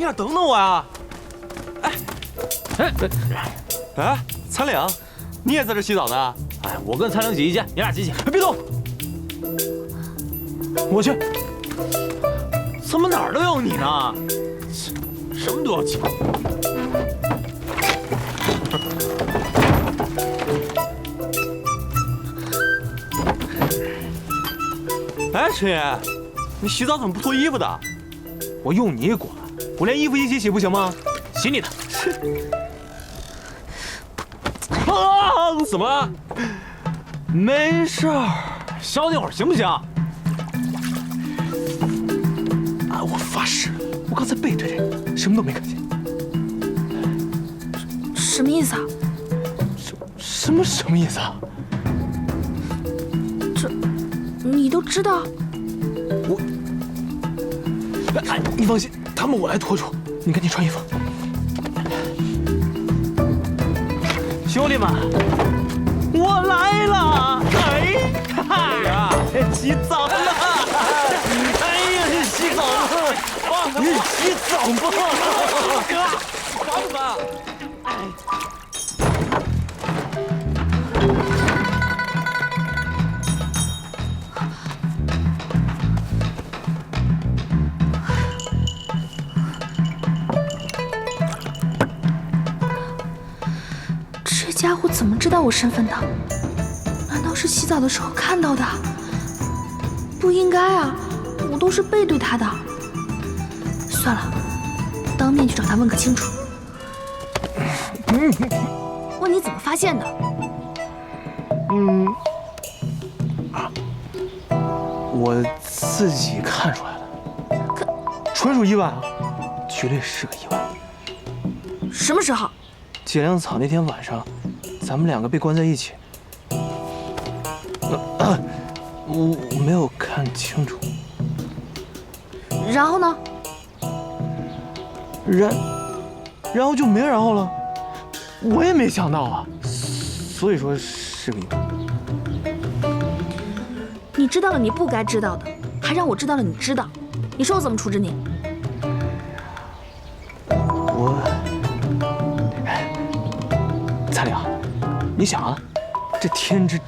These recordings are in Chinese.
下等等我呀！哎，残岭，你也在这洗澡呢？ 哎，我跟残岭挤一间，你俩挤挤。 别动，我去。 怎么哪儿都有你呢？什么都要挤。 哎，陈爷，你洗澡怎么不脱衣服的？ 我用你管？我连衣服一起洗不行吗？洗你的。 啊！怎么了？ 没事儿，消停会儿行不行？ 啊！我发誓，我刚才背对着你，什么都没看见。 什么意思啊？ 什么意思啊？ 这你都知道？ 哎，你放心，他们我来拖住。你赶紧穿衣服。 兄弟们，我来了！哎， 哎呀，洗澡了！ 哎呀，这洗澡了！ 你洗澡吧， 哥，烦不烦？ 这家伙怎么知道我身份的？难道是洗澡的时候看到的？不应该啊，我都是背对他的。算了，当面去找他问个清楚。问你怎么发现的？ 我自己看出来了，纯属意外啊，绝对是个意外。 什么时候？ 解粮草那天晚上，咱们两个被关在一起。我没有看清楚。 然后呢？ 然后就没然后了。我也没想到啊，所以说是个意外。 你知道了你不该知道的，还让我知道了你知道，你说我怎么处置你？ 彩玲，你想啊，这天知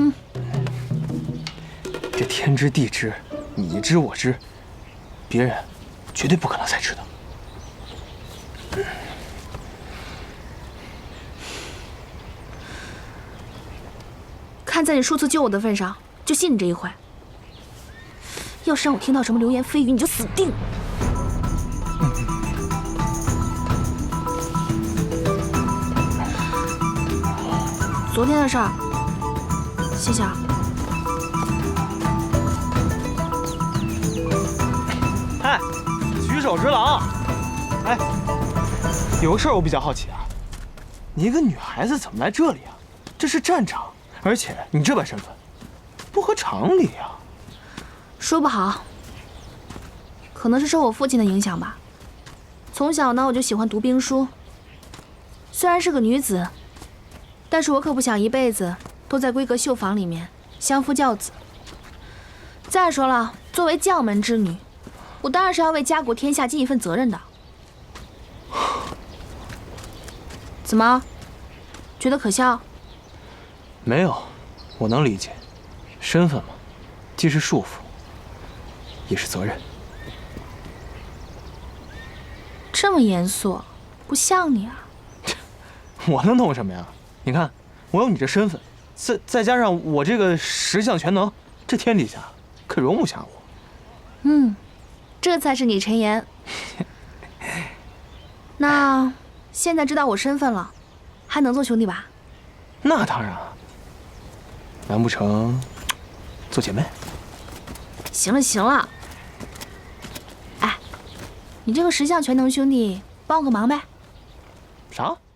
地知，你知我知，别人绝对不可能再知道。 看在你数次救我的份上，就信你这一回。要是让我听到什么流言蜚语，你就死定了。昨天的事儿，谢谢啊。 嗨，举手之劳。哎，有个事儿我比较好奇啊，你一个女孩子怎么来这里啊？这是战场，而且你这般身份，不合常理啊。 说不好，可能是受我父亲的影响吧。从小呢，我就喜欢读兵书。虽然是个女子，但是我可不想一辈子都在闺阁绣房里面相夫教子。再说了，作为将门之女，我当然是要为家国天下尽一份责任的。怎么，觉得可笑？ 没有，我能理解，身份嘛，既是束缚，也是责任。 这么严肃，不像你啊。 我能懂什么呀？你看，我有你这身份，再加上我这个十项全能，这天底下可容不下我。 这才是你陈岩。那现在知道我身份了，还能做兄弟吧？ 那当然，难不成做姐妹？ 行了行了，哎，你这个十项全能兄弟，帮我个忙呗。 啥？